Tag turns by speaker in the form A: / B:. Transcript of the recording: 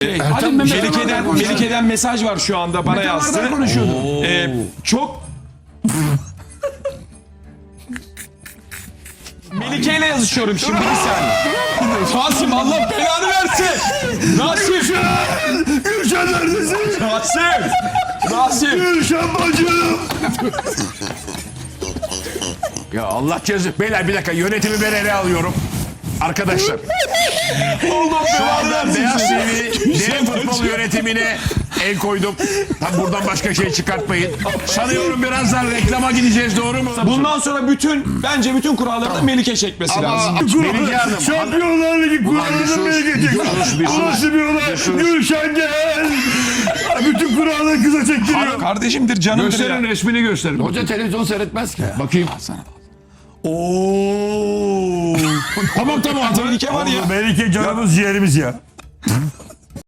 A: Melike'den mesaj var şu anda bana yazdı. Çok Melike ile yazışıyorum şimdi bir saniye. Rasim Allah belanı versin. Rasim.
B: Gülşen neredesin?
A: Rasim.
B: Gülşen bacım. Ya Allah cezası. Beyler bir dakika, yönetimi ben ele alıyorum. Arkadaşlar. Şu anda Beyaz TV dev futbol yönetimine el koydum. Tam buradan başka şey çıkartmayın. Sanıyorum birazdan reklama gideceğiz, doğru mu?
A: Bundan sonra bence bütün kuralları da Melike çekmesi lazım.
B: Melike Hanım.
C: Şampiyonlar Ligi kurallarını Melike çekti. Bu nasıl bir olay? Gülşen gel. Bütün kuralları kıza çektiriyor.
A: Kardeşimdir, canımdır
B: Gösterin,
A: ya.
B: resmini gösterin.
D: Hoca televizyon seyretmez ki.
B: Bakayım.
C: Oo.
B: Tamam.
A: Melike var ya.
C: Melike canımız ciğerimiz ya.